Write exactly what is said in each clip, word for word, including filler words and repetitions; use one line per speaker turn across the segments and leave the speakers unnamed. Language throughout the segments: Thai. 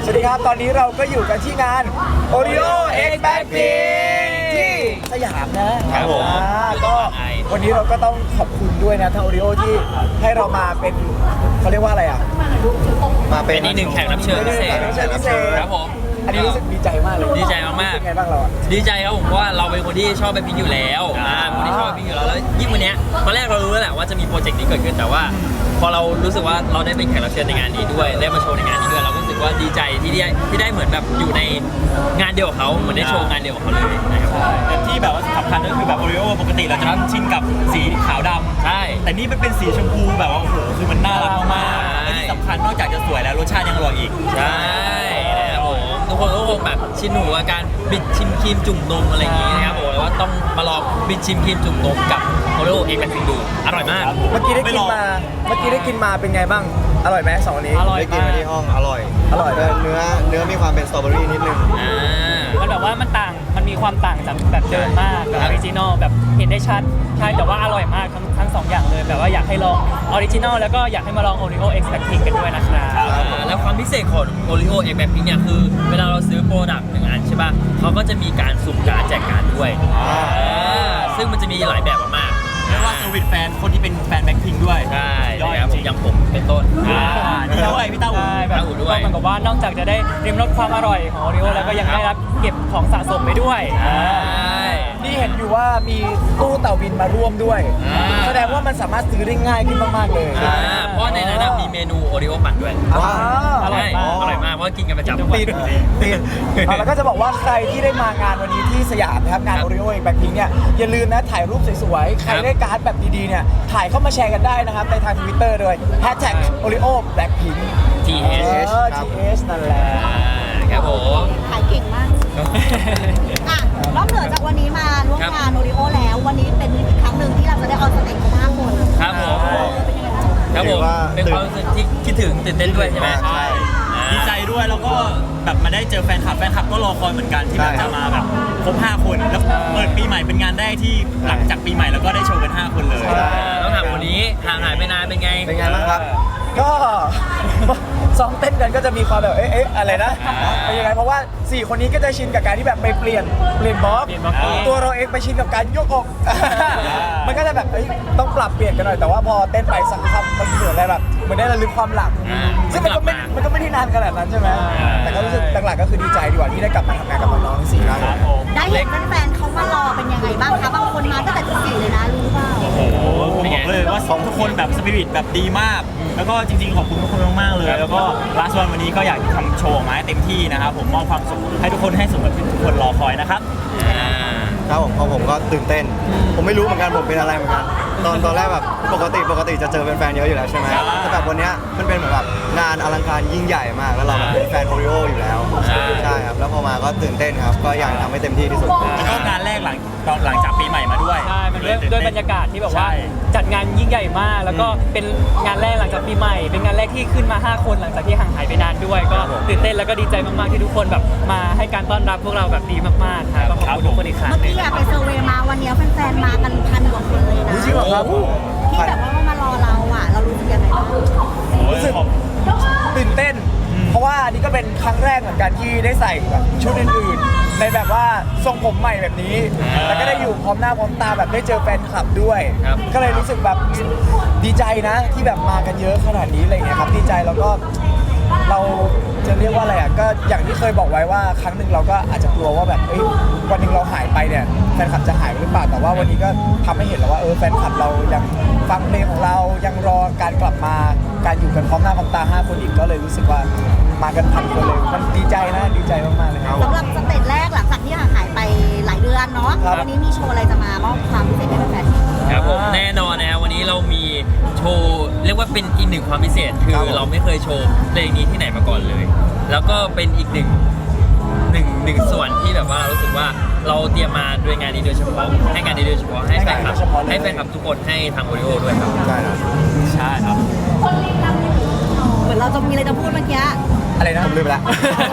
วัสดีครับตอนนี้เราก็อยู่กันที่งาน Oreo X Blackpink ที่สยามนะครับ
ผม
อ่าก็วันนี้เราก็ต้องขอบคุณด้วยนะทาง Oreo ที่ให้เรามาเป็นเขาเรียกว่าอะไรอ่ะ
มาเป็
เป็น นอีกหนึ่งแขกรับเชิญพิเศษ
แขกรับเชิญพิเศษ
ครับผม
อันนี้รู้สึกดีใจมากเลย
ดีใจมากๆ
เป็นไงบ้างเราอ่ะ
ดีใจครับผมเพราะว่าเราเป็นคนที่ชอบแบล็คพิงค์อยู่แล้วอ่าเป็นคนที่ชอบแบล็คพิงค์อยู่แล้วแล้วยิ่งวันเนี้ยตอนแรกเรารู้แล้วแหละว่าจะมีโปรเจกต์นี้เกิดขึ้นแต่ว่า พอเรารู้สึกว่าเราได้เป็นแขกรับเชิญในงานนี้ด้วยได้มาโชว์ในงานนี้ด้วยเราก็รู้สึกว่าดีใจที่ได้ที่ได้เหมือนแบบอยู่ในงานเดียวกับเขาเหมือนได้โชว์งานเดียวกับเขาเลยนะครับ
แต่ที่แบบว่าสำคัญก็คือแบบโอริโอปกติเราจะชินกับสีขาวดำ
ใช่
แต่นี่มันเป็นสีชมพูแบบว่าโอ้โหคือมันน่ารักมากๆและที่สำคัญนอกจากจะสวยแล้วรสชาติยังอร่อยอีก
ใช่นะครับผมทุกคนก็คงแบบชินหูกับการบิดชิมครีมจุ่มนมอะไรอย่างงี้นะครับผมแล้วว่าต้องมาลองบิดชิมครีมจุ่มนมกับโอริโอเอ็กซ์แบล็คพิงค์ดูอร่อยมาก
เมื่อกี้ได้กินมาเมื่อกี้ได้กินมาเป็นไงบ้างอร่อยไหมสองอันนี้
อร่อย
ได้กิน
มาก
มาที่ห้องอร่อย
อร่อย
เนื้อเนื้อมีความเป็นสตรอเบอรี่นิดนึง
อ่า
มันแบบว่ามันต่างมันมีความต่างจากแบบเดิมมากแบบออริจินอลแบบเห็นได้ชัดใช่แต่ว่าอร่อยมากทั้งทั้งสองอย่างเลยแบบว่าอยากให้ลองออริจินอลแล้วก็อยากให้มาลอง Oreo X Blackpink กันด้วยนะครับ
อ่าแล้วความพิเศษของ Oreo X Blackpink เนี่ยคือเวลาเราซื้อโปรดักต์หนึ่งอันใช่ป่ะเขาก็จะมีการสุ่มการดแจกการดด้วยอ่าซึ่งมันจะมีหลายแบบมากๆ
เรียกว่าเซอร์วิสแฟนคนที่เป็นแฟนแบ็คพิงค์ด้วย
ใช่
ยอด
นะครับ
จ
ผ
ริ
ม
ง
อย่างผมเป็นต้น
อ่านี่ด้วยพี่เต้าหู
ใช่แบบ
เต้าหู้ด้วย
ก็เหมือนกับว่านอกจากจะได้ริมรสความอร่อยของ Oreo แล้วก็ยังได้รับเก็บของสะสมไปด้วย
ใช่
นี่เห็นอยู่ว่ามีตู้เต่าบินมาร่วมด้วย
อ่า
แสดงว่ามันสามารถซื้อได้ง่ายขึ้นมากๆเลย
อ่าเพราะในนั้นนะมีเมนูโอริโอปั่นด้วย
ว้าว
อร่อยมาก
ใช่อร่อยมากเพราะว่ากินกันประจำ
ติดติดเอาแล้วก็จะบอกว่าใครที่ได้มางานวันนี้ที่สยามนะครับงาน Oreo X Blackpink เนี่ยอย่าลืมนะถ่ายรูปสวยๆ ใครได้การ์ดแบบดีๆเนี่ยถ่ายเข้ามาแชร์กันได้นะครับในทาง Twitter ด้วย hashtag Oreo Blackpink
ที เอช
เออ ที เอช นั่นแหละ
ครับผม
ขายเก่งมาก อ่ะนอกเหนือจากวันนี้มาร่วมงานโอริโอแล้ว วันนี้เป็นอีกครั้งหนึ่งที่เราจะได้ออนสเตจกันห้าคน
ครับผม
เออเป็นยังไงบ้าง
ครับผมเป็นความรู้สึกที่คิดถึงตื่นเต้นด้วยใช่ไหม
ใช่
อ่า
ดีใจด้วยแล้วก็แบบมาได้เจอแฟนคลับแฟนคลับก็รอคอยเหมือนกันที่แบบ
ใช่
จะมาแบบครบห้าคนแล้วเปิดปีใหม่เป็นงานแรกที่หลังจากปีใหม่แล้วก็ได้โชว์กันห้าคนเลย
ต้องถามคนนี้ห่างหายไปนานเป็นไง
เป็นไงบ้างครับ
ก็ ซ้อมเต้นกันก็จะมีความแบบเอ๊ะเอ๊ะอะไรนะเป็นยังไงเพราะว่าสี่คนนี้ก็จะชินกับการที่แบบไปเปลี่ยนเปลี่ยนบล็อก
เปลี่ยนบล็อก
ตัวเราเองไปชินกับการยกอก มันก็จะแบบเอ้ยต้องปรับเปลี่ยนกันหน่อยแต่ว่าพอเต้นไปสักพักมันเหมือนอะไรแบบเหมือนได้ระลึกความหลัง
อ่า
ซึ่งมันก็ไม่
กลับมามั
มันก็ไม่ได้นานขนาดนั้นใช่ไหม
อ่า
แต่ก็รู้สึกหลักๆก็คือดีใจดีกว่าที่ได้กลับมาทำงานกับน้องๆทั้งสี่คน
ได้เห็นแฟนๆเขามารอเป็นยังไงบ้างคะ บางคนมาตั้งแต่ตีสี่เลยนะรู้เปล่า
โอ้โหผมบอกเลยว่าทุกคนแบบสปิริตแบบดีมาก แล้วก็จริงๆขอบคุณทุกคนมากๆเลย แล้วก็ลาสวันวันนี้ก็อยากทำโชว์ออกมาให้เต็มที่นะครับผมมอบความสุขให้ทุกคนให้สมกับที่ทุกคนรอคอยนะครับ
อ่า
ครับผมของผมก็ตื่นเต้น ผมไม่รู้เหมือนกันผมเป็นอะไรเหมือนกัน ตอนตอนแรกแบบปกติปกติจะเจอแฟนๆเยอะอยู่แล้วใช่ไหม
ครับ
แต่แบบวันเนี้ยมันเป็นเหมือนแบบงานอลังการยิ่งใหญ่มากแล้วเราแบบเป็นแฟนโอริโออยู่แล้ว
ใช่
ใช่ครับแล้วพอมาก็ตื่นเต้นครับก็อยากทำให้เต็มที่ที่สุด
แล้วก็งานแรกหลังตอนหลังจากปีใหม่มาด้วย
ใช่ มันด้วยด้วยบรรยากาศที่แบบว่า
ใช่
จัดงานยิ่งใหญ่มาก แล้วก็เป็นงานแรกหลังจากปีใหม่ เป็นงานแรกที่ขึ้นมา ห้า คนหลังจากที่ห่างหายไปนานด้วย ก็ตื่นเต้นแล้วก็ดีใจมากๆที่ทุกคนแบบมาให้การต้อนรับพวกเราแบบดีมากๆครับก็ขอบคุณทุกคนอีกครั้ง
เมื่อ
หนึ
กี้
ง
อะไปเซอร์เวย์มาวันนี้แฟนๆมากันพันกว่าคนเลยนะ
จริงเหรอครับ
ที่แบบว่ามารอเราอ่ะ เรารู้สึกยังไงบ้าง
รู้สึกตื่นเต้น เพราะว่าอันนี้ก็เป็นครั้งแรกเหมือนกันที่ได้ใส่แบบชุดอื่นๆ ในแบบว่าทรงผมใหม่แบบนี้ แล้วก็ได้อยู่พร้อมหน้าพร้อมตาแบบได้เจอแฟนคลับด้วย
ครับ
ก็เลยรู้สึกแบบดีใจนะที่แบบมากันเยอะขนาดนี้อะไรเงี้ยครับดีใจแล้วก็เราจะเรียกว่าอะไรอ่ะก็อย่างที่เคยบอกไว้ว่าครั้งหนึ่งเราก็อาจจะกลัวว่าแบบเอ้ยวันหนึ่งเราหายไปเนี่ยแฟนคลับจะหายไปหรือเปล่าแต่ว่าวันนี้ก็ทำให้เห็นแล้วว่าเออแฟนคลับเรายังฟังเพลงของเรายังรอการกลับมาการอยู่กันพร้อมหน้าพร้อมตาห้าคนอีกก็เลยรู้สึกว่ามากันพันคนเลยมันดีใจนะดีใจมากๆเลยครับ
สำหรับสเตจแรกหลังจากที่ห่างหายไปหลายเดือนเนาะ
ครับ
วันนี้มีโชว์อะไรจะมามอบความพิเศษให้แฟนๆ
ครับผมแน่นอนนะครับวันนี้เรามีโชว์เรียกว่าเป็นอีกหนึ่งความพิเศษคือ
ครับผม
เราไม่เคยโชว์เพลงนี้ที่ไหนมาก่อนเลย แล้วก็เป็นอีกหนึ่งหนึ่งหนึ่งส่วนที่แบบว่าเรารู้สึกว่าเราเตรียมมาด้วยงานนี้โดยเฉพาะให้งานนี้โดยเฉพาะให้แฟนคลับ
ให้งานนี้โดยเฉพาะเลย
ให้แฟนคลับทุกคนให้ทางโอริโอด้วยครับ
ใช่ครับ
ใช่ครับ
เหมือนเราจะมีอะไรจะพูดเมื่อกี้
อะไรนะ
ผมลืมไปแล้ว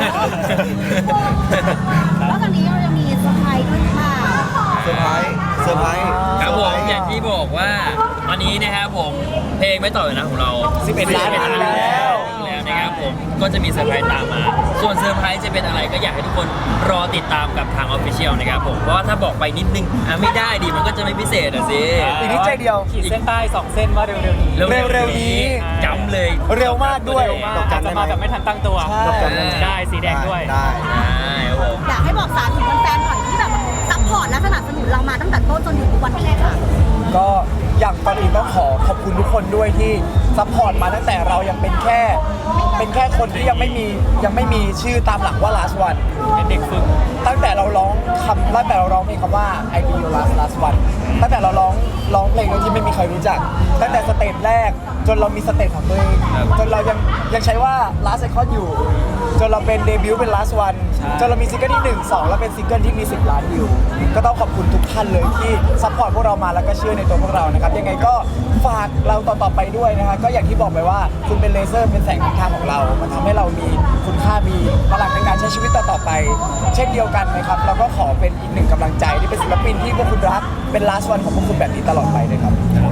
แล้วตอนนี้เราจะมีเซอร์ไพรส์ด้วยหรือเปล่า
เซอร์ไพรส์เซอร์ไพรส์
ครับผม
เซร์ไพรส์
อย่างที่บอกว่าวันนี้นะครับผมเพลงไม่ต่อเลยนะของเรา
สิบเอ็ดล้านวิวแล้ว
แล้วนะครับผมก็จะมีเซอร์ไพรส์ตามมา ส่วนเซอร์ไพรส์จะเป็นอะไรก็อยากให้ทุกคนรอติดตามกับทางออฟฟิเชียลนะครับผมเพราะว่าถ้าบอกไปนิดนึงอ่ะไม่ได้ดิมันก็จะไม่พิเศษอ่ะสิ
อีกนิดใจเดียว
ขีดเส้นใต้สองเส้นว่าเร็วๆนี้
เร็วๆนี้
จำเลย
เร็วมากด้วย
เร็วมากอาจจะมาแบบไม่ทันตั้งตัว
ใช่
ดอกจันได้ไหม
ได้สีแดงด้วย
ได้
ใช่ครับผม
อยากให้บอกสารถึงแฟนๆหน่อยที่แบบซัพพอร์ตและสนับสนุนเรามาตั้งแต่ต้นจนถึงทุกวันนี้ค่ะ
ก็อย่างก่อนอื่นต้องขอขอบคุณทุกคนด้วยที่ซัพพอร์ตมาตั้งแต่เรายังเป็นแค่ เป็นแค่คนที่ยังไม่มียังไม่มีชื่อตามหลังว่า last one
เป็นเด็กฝึก
ตั้งแต่เราร้องคำตั้งแต่เราร้องเพลงคำว่า I be your last last one ตั้งแต่เราร้องร้องเพลงโดยที่ไม่มีใครรู้จัก ตั้งแต่สเตจแรกจนเรามีสเตจของตัวเองจนเรายังยังใช้ว่า last icon อยู่ จนเราเป็นเดบิวต์เป็น last one จนเรามีซิงเกิลที่หนึ่ง สองแล้วเป็นซิงเกิลที่มีสิบล้านวิวก็ต้องขอบคุณทุกท่านเลยที่ซัพพอร์ตพวกเรามาแล้วก็เชื่อในตัวพวกเรานะครับยังไงก็ฝากเราต่อๆไปด้วยนะครับก็อย่างที่บอกไปว่าคุณเป็นเลเซอร์เป็นแสงนำทางของเรา มันทำให้เรามีคุณค่ามีพลังในการใช้ชีวิตต่อๆไป เช่นเดียวกันนะครับเราก็ขอเป็นอีกหนึ่งกำลังใจที่เป็นศิลปินที่พวกคุณรักเป็น last one ของพวกคุณแบบนี้ตลอดไปเลยครับ